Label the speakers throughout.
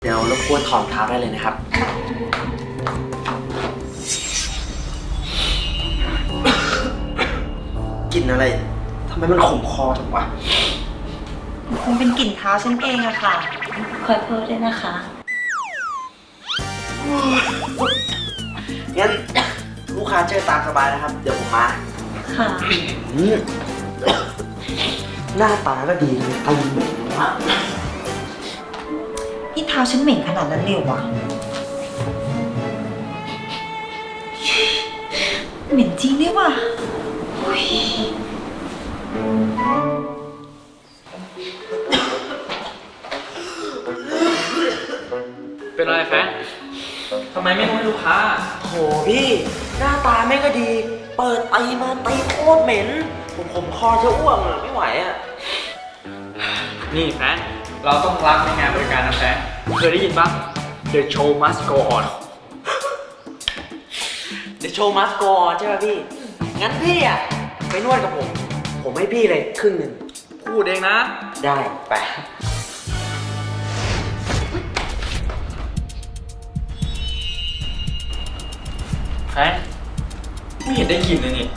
Speaker 1: เดี๋ยวรบกวนถอดเท้าได้เลยนะครับกลิ่นอะไรทำไมมันขมคอจังวะ
Speaker 2: คงเป็นกลิ่นเท้าฉันเองอะค่ะขอโทษด้วยนะคะ
Speaker 1: งั้นลูกค้าเจอตามสบายนะครับ เดี๋ยวผมมา
Speaker 2: ค่ะ
Speaker 1: หน้าตาก็ดีเลยตีเหม็นวะ
Speaker 2: นี่เท้าฉันเหม็นขนาดนั้นเลยวะเหม็นจริงด้วยว่ะ
Speaker 3: เป็นอะไรแฟนทำไมไม่นวดให้ลูกค้า
Speaker 1: โหพี่หน้าตาไม่ก็ดีเปิดตีมาตีโคตรเหม็นผมคอจะอ้วกอ่ะไม่ไหวอ่ะ
Speaker 3: นี่แฟนเราต้องรักในงานบริการนะแฟนเคยได้ยินปะ The show must go on
Speaker 1: The show must go on ใช่ป่ะพี่งั้นพี่อ่ะไปนวดกับผมให้พี่เลยครึ่งหนึ่ง
Speaker 3: พูดเองนะ
Speaker 1: ได้ไป
Speaker 3: แฟนไม่เห็นได้กลิ่นเลยนี่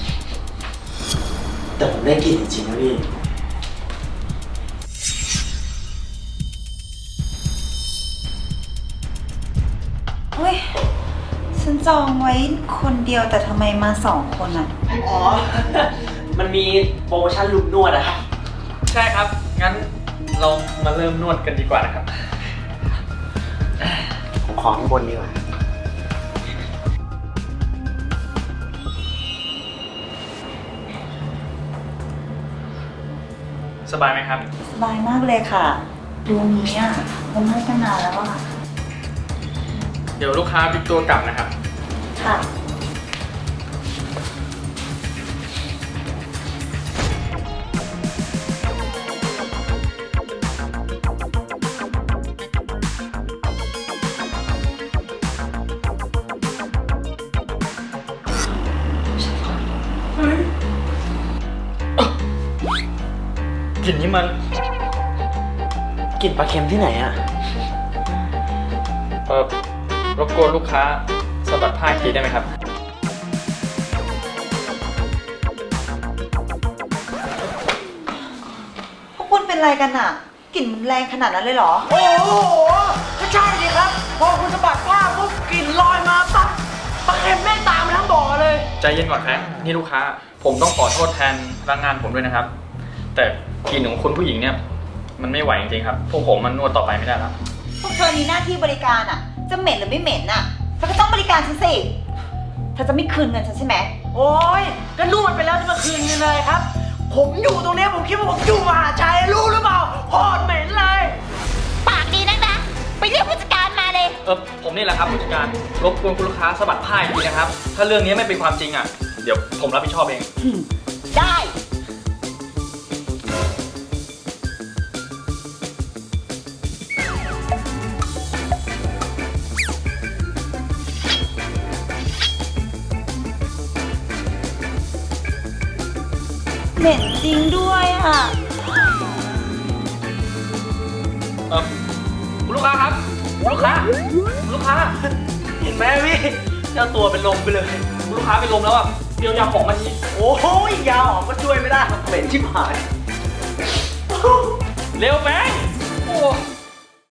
Speaker 1: แต่ผมได้กลิ่นจริงๆนะพี่
Speaker 2: เฮ้ยฉันจองไว้คนเดียวแต่ทำไมมา2 คนอ่ะ
Speaker 1: อ๋อมันมีโปรโมชั่นลุมนวดอะครับ
Speaker 3: ใช่ครับงั้นเรามาเริ่มนวดกันดีกว่านะครับ
Speaker 1: ผมขอข้างบนดีกว่า
Speaker 3: สบายไหมครับ
Speaker 2: สบายมากเลยค่ะดูนี้อ่ะผมให้ตั้งนานแล้วอ่ะ
Speaker 3: เดี๋ยวลูกค้าพลิกตัวกลับนะครับ
Speaker 2: ค่ะ
Speaker 3: กลิ่นนี้มัน
Speaker 1: กลิ่นปลาเค็มที่ไหนอะ
Speaker 3: รบกวนลูกค้าสะบัดผ้าทีได้ไหมครับ
Speaker 2: พวกคุณเป็นอะไรกันอ่ะกลิ่นแรงขนาดนั้นเลยเหรอ
Speaker 1: โอ้โหก็ใช่ดิครับพอคุณสะบัดผ้าปุ๊บกลิ่นลอยมาปั๊บปลาเค็มแม่งตามมาทั้งบ่อเลย
Speaker 3: ใจเย็นก่อนแฟนนี่ลูกค้าผมต้องขอโทษแทนพนักงานผมด้วยนะครับแต่กลิ่นของคุณผู้หญิงเนี่ยมันไม่ไหวจริงๆครับพวกผมมันนวดต่อไปไม่ได้แล้ว
Speaker 2: พวกเธอมีหน้าที่บริการอ่ะจะเหม็นหรือไม่เหม็นอ่ะเธอก็ต้องบริการฉันสิเธอจะไม่คืนเงินฉันใช่ไหม
Speaker 1: โอ้ยก็นวดไปแล้วจะมาคืนเงินเลยครับผมอยู่ตรงนี้ผมคิดว่าผมอยู่มหาชัยรู้หรือเปล่าโคตรเหม็นเลย
Speaker 4: ปากดีนักนะไปเรียกผู้จัดการมาเลย
Speaker 3: ผมนี่แหละครับผู้จัดการรบกวนคุณลูกค้าสะบัดผ้าอีกทีนะครับถ้าเรื่องนี้ไม่เป็นความจริงอ่ะเดี๋ยวผมรับผิดชอบเอง
Speaker 4: ได้
Speaker 2: เหม็นจริงด้วยอ่ะ
Speaker 3: คุณลูกค้าครับลูกค้า
Speaker 1: เห็นไหมพี่เจ้าตัวเป็นลมไปเลย
Speaker 3: คุณลูกค้าเป็นลมแล้วอ่ะเดี๋ยวยาของมาที
Speaker 1: โอ้โหยาออกก็ช่วยไม่ได้เหม็นชิบหาย
Speaker 3: เร็วแบงค์โอ้